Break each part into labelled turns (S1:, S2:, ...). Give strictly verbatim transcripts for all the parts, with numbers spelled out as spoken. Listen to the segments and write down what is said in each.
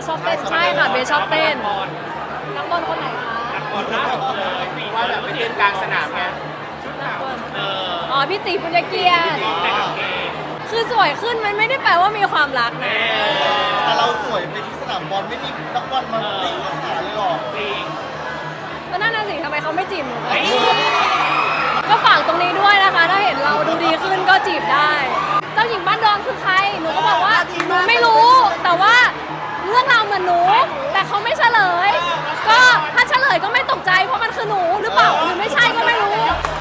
S1: ชอบเต้นใช่ค่ะเบสชอบเต้นนักบอลคนไหนคะ
S2: นักบอลล่าสุดเลยฟีว่าแบบไปเต้นกลางสนามไง
S1: นักบอลอ๋อพี่ตีปุญญเกียรติคือสวยขึ้นมันไม่ได้แปลว่ามีความรักนะ
S3: แต่เราสวยไปที่สนามบอลไม่มีนักบอลมาตีหาเลยหรอ
S1: ก็นั่นน่ะสิทำไมเขาไม่จีบหนูก็ฝากตรงนี้ด้วยนะคะถ้าเห็นเราดูดีขึ้นก็จีบได้เจ้าหญิงบ้านดอนคือใครหนูก็บอกว่าหนูไม่รู้แต่ว่าเรื่องราวเหมือนหนูแต่เขาไม่เฉลยก็ถ้าเฉลยก็ไม่ตกใจเพราะมันคือหนูหรือเปล่าหรือไม่ใช่ก็ไม่รู้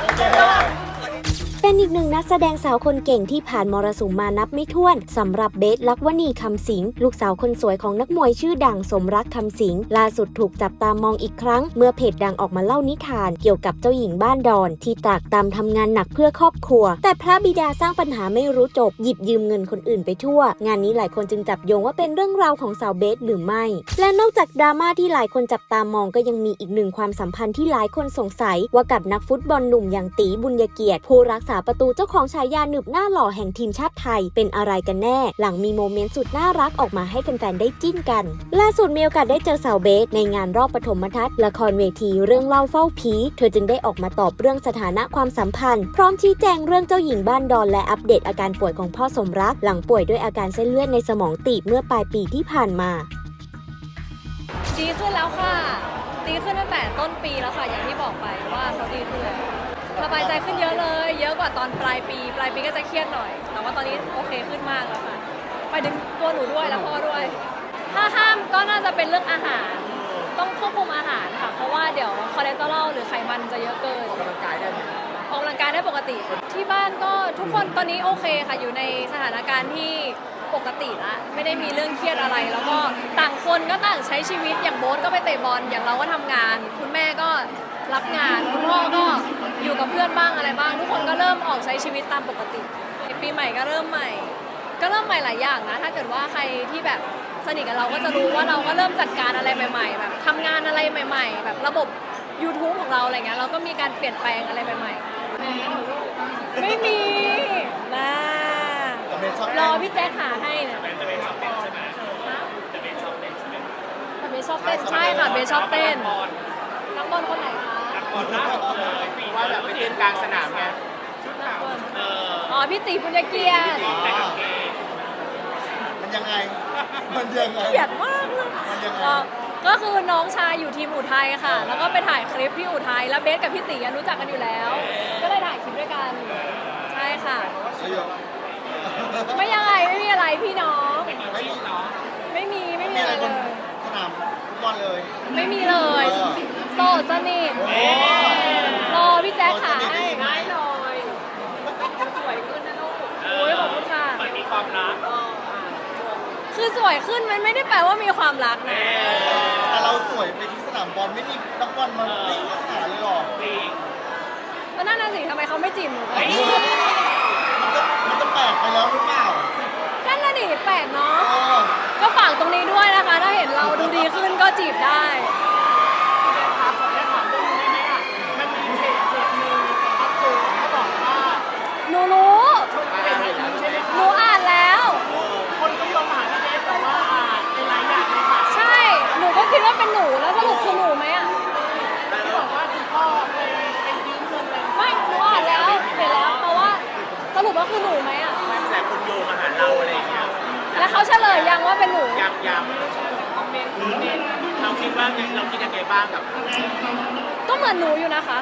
S4: เป็นอีกหนึ่งนักแสดงสาวคนเก่งที่ผ่านมรสุมมานับไม่ถ้วนสำหรับเบส ลักวณีคำสิงห์ลูกสาวคนสวยของนักมวยชื่อดังสมรักคำสิงห์ล่าสุดถูกจับตามองอีกครั้งเมื่อเพจดังออกมาเล่านิทานเกี่ยวกับเจ้าหญิงบ้านดอนที่ตรากตรำทำงานหนักเพื่อครอบครัวแต่พระบิดาสร้างปัญหาไม่รู้จบหยิบยืมเงินคนอื่นไปทั่วงานนี้หลายคนจึงจับโยงว่าเป็นเรื่องราวของสาวเบสหรือไม่และนอกจากดราม่าที่หลายคนจับตามองก็ยังมีอีกหนึ่งความสัมพันธ์ที่หลายคนสงสัยว่ากับนักฟุตบอลหนุ่มอย่างตีบุญเกียรติผู้รักษาประตูเจ้าของฉายาหนึบหน้าหล่อแห่งทีมชาติไทยเป็นอะไรกันแน่หลังมีโมเมนต์สุดน่ารักออกมาให้แฟนๆได้จิ้นกันล่าสุดมีโอกาสได้เจอสาวเบสในงานรอบปฐมทัศน์ละครเวทีเรื่องเล่าเฝ้าผีเธอจึงได้ออกมาตอบเรื่องสถานะความสัมพันธ์พร้อมชี้แจงเรื่องเจ้าหญิงบ้านดอนและอัปเดตอาการป่วยของพ่อสมรักหลังป่วยด้วยอาการเส้นเลือดในสมองตีบเมื่อปลายปีที่ผ่านมา
S1: ดีขึ้นแล้วค่ะดีขึ้นตั้งแต่ต้นปีแล้วค่ะอย่างที่บอกไปว่าเขาดีขึ้นแล้วสบายใจขึ้นเยอะเลยเยอะกว่าตอนปลายปีปลายปีก็จะเครียดหน่อยแต่ว่าตอนนี้โอเคขึ้นมากแล้วค่ะไปถึงตัวหนูด้วยแล้วพ่อด้วยถ้าห้ามก็น่าจะเป็นเรื่องอาหารต้องควบคุมอาหารค่ะเพราะว่าเดี๋ยวคอเลสเตอรอลหรือไขมันจะเยอะเกิน
S2: ออกกำลังกายได้ไหม
S1: ออกกำลังกายได้ปกติที่บ้านก็ทุกคนตอนนี้โอเคค่ะอยู่ในสถานการณ์ที่ปกติละไม่ได้มีเรื่องเครียดอะไรแล้วก็ต่างคนก็ต่างใช้ชีวิตอย่างโบ๊ทก็ไปเตะบอลอย่างเราก็ทำงานคุณแม่ก็รับงานคุณพ่อก็อยู่กับเพื่อนบ้างอะไรบ้างทุกคนก็เริ่มออกใช้ชีวิตตามปกติปีใหม่ก็เริ่มใหม่ก็เริ่มใหม่หลายอย่างนะถ้าเกิดว่าใครที่แบบสนิทกับเราก็จะรู้ว่าเราก็เริ่มจัดการอะไรใหม่ๆแบบทำงานอะไรใหม่ๆแบบระบบ YouTube ของเราอะไรเงี้ยเราก็มีการเปลี่ยนแปลงอะไรใหม่ๆไม่มีนะรอพี่แจ๊คหาให้เนี่ยแต่เบสชอบเต้นใช่ไหมแต่เบสชอบเต้นใช่ไหมแต่เบสชอบเต้นใช่ค่ะเบสชอบเต้นนักบอลคนไหนคะ
S2: นักบอลล่าสุดเลยฟีว่าแบบไปเต้นกลางสนามไง
S1: อ๋อพี่ตีปุญญเกียรติ
S3: มันยังไงมันยังไง
S1: เกลียดมากเลยก็คือน้องชายอยู่ทีมอุทัยค่ะแล้วก็ไปถ่ายคลิปที่อุทัยแล้วเบสกับพี่ตีรู้จักกันอยู่แล้วก็เลยถ่ายคลิปด้วยกันใช่ค่ะไม่ยังไงไม่มีอะไรพี่น้อง
S3: ไม่มีเนาะ
S1: ไม่มีไม่มีอะไรเลย
S3: สนามฟุตบอลเลย
S1: ไม่มีเลยโสดสนิทรอพี่แจ๊คขาให้ได้เลยสวยขึ้นนะลูกโอ้ยขอบคุณค่ะ
S2: มันมีความรัก
S1: คือสวยขึ้นมันไม่ได้แปลว่ามีความรักนะ
S3: แต่เราสวยไปที่สนามบอลไม่มีนักบอลมาตีหาเลยหรอ
S1: ก็นั่นน่ะสิทำไมเขาไม่จีบหนู
S3: มันจะมันจะแปลกไปแล้วหรือเปล่า
S1: นั่นน่ะดิแปลกเนาะก็ฝากตรงนี้ด้วยนะคะถ้าเห็นเราดูดีขึ้นก็จีบได้หนูรู้หนูอ่านแล้ว
S2: คนก็ยอมหาพี่เบสแต่ว่าอ่านเป็นรายอย่างเลยค่ะ
S1: ใช่หนูก็คิดว่าเป็นหนูแล้วสรุปคือหนูไหมอ่ะ
S2: ที่บอกว่าคุณพ่อเป็นเป็นยืมเงินอะไร
S1: ไม่หนูอ่านแล้วเห็นแล้วเพราะว่าสรุปว่าคือหนูไหมอ่ะ
S2: แต่คนโยงมาหาเราอะไรอย่างเงี้ย
S1: แล้วเขาเฉลยยังว่าเป็นหนู
S2: ยังยังเราคิดว่าเราคิดยังไงบ้างกับ
S1: ก็เหมือนหนูอยู่นะคะ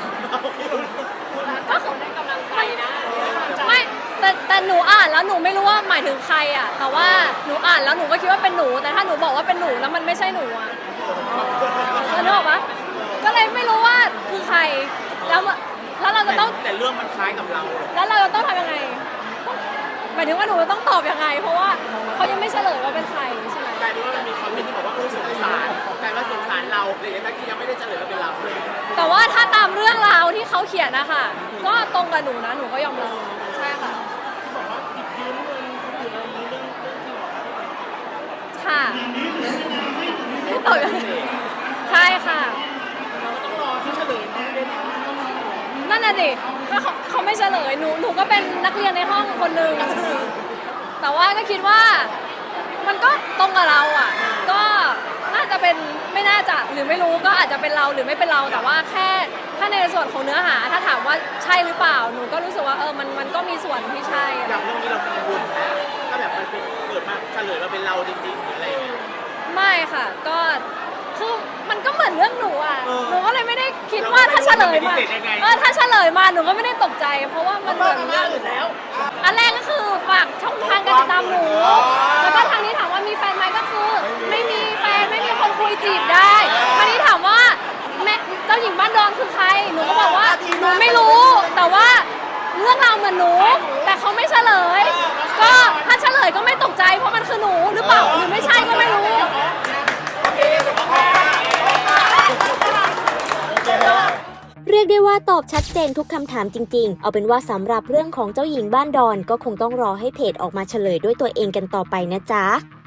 S1: ก็คือได้กำลังใจนะไม่แต่แต่หนูอ่านแล้วหนูไม่รู้ว่าหมายถึงใครอ่ะแต่ว่าหนูอ่านแล้วหนูก็คิดว่าเป็นหนูแต่ถ้าหนูบอกว่าเป็นหนูแล้วมันไม่ใช่หนูอ่ะนึกออกปะก็เลยไม่รู้ว่าคือใครแล้วแล้วเราจะต้อง
S2: แต่เรื่องมันคล้ายกับเรา
S1: แล้วเราจะต้องทำยังไงหมายถึงว่าหนูต้องตอบยังไงเพราะว่าเขายังไม่เฉลยว่าเป็นใครใช่ไหม
S2: กลายเป็นว่ามันมีคอมเมนต์ที่บอกว่าสงสารกลายว่าสงสารเราเลยทั้งที่ยังไม่ได้เฉลยว่าเป็นเรา
S1: แต่ว่าถ้าตามเรื่องราวที่เขาเขียนนะคะก็ตรงกับหนูนะหนูก็ยอมรับใช่ค่ะ
S2: ที่บอกว่าติดยืมเงินหรืออะไรนี้เรื่องเรื่องจริง
S1: ค่ะตอบยังไงใช่ค่ะ
S2: เราต้องรอที่เฉลยนะ
S1: นั่นน่ะดิถ้าเขาเขาไม่เฉลยหนูหนูก็เป็นนักเรียนในห้องคนหนึ่งแต่ว่าก็คิดว่ามันก็ตรงกับเราอ่ะก็เป็นไม่น่าจะหรือไม่รู้ก็อาจจะเป็นเราหรือไม่เป็นเราแต่ว่าแค่ถ้าในส่วนของเนื้อหาถ้าถามว่าใช่หรือเปล่าหนูก็รู้สึกว่าเออมันมันก็มีส่วนที่ใช่
S2: อย่างเรื่องนี้เรากังวลไหมถ้าแบบมันเป็นเกิดมาเฉลยมาเป็นเราจริงๆหรืออะไรอย่างเงี้ย
S1: ไม่ค่ะก็คือมันก็เหมือนเรื่องหนูอ่ะ
S2: เออ
S1: หนูก็เลยไม่ได้คิดว่าถ้าเฉลยมา
S2: เราไม่รู้ว่ามันเป็นพิเศษยังไง
S1: เออถ้าเฉลยมาหนูก็ไม่ได้ตกใจ เพราะว่ามันเหมือนเรื่องอื่นแล้ว อันแรกก็คือฝากช่องทางการติดตามหนู แล้วก็ทางนี้ถามว่ามีแฟนไหมก็คือ ไม่มีแฟนไม่มีคนคุยจีบได้ทางนี้ถามว่าแม่เจ้าหญิงบ้านดอนคือใคร หนูก็บอกว่าหนูไม่รู้ แต่ว่าเรื่องราวเหมือนหนู แต่เขาไม่เฉลย ก็ถ้าเฉลยก็ไม่ตกใจเพราะมันคือหนูหรือเปล่าหรือไม่ใช่ก็ไม่รู้
S4: เรียกได้ว่าตอบชัดเจนทุกคำถามจริงๆ เอาเป็นว่าสำหรับเรื่องของเจ้าหญิงบ้านดอนก็คงต้องรอให้เพจออกมาเฉลยด้วยตัวเองกันต่อไปนะจ๊ะ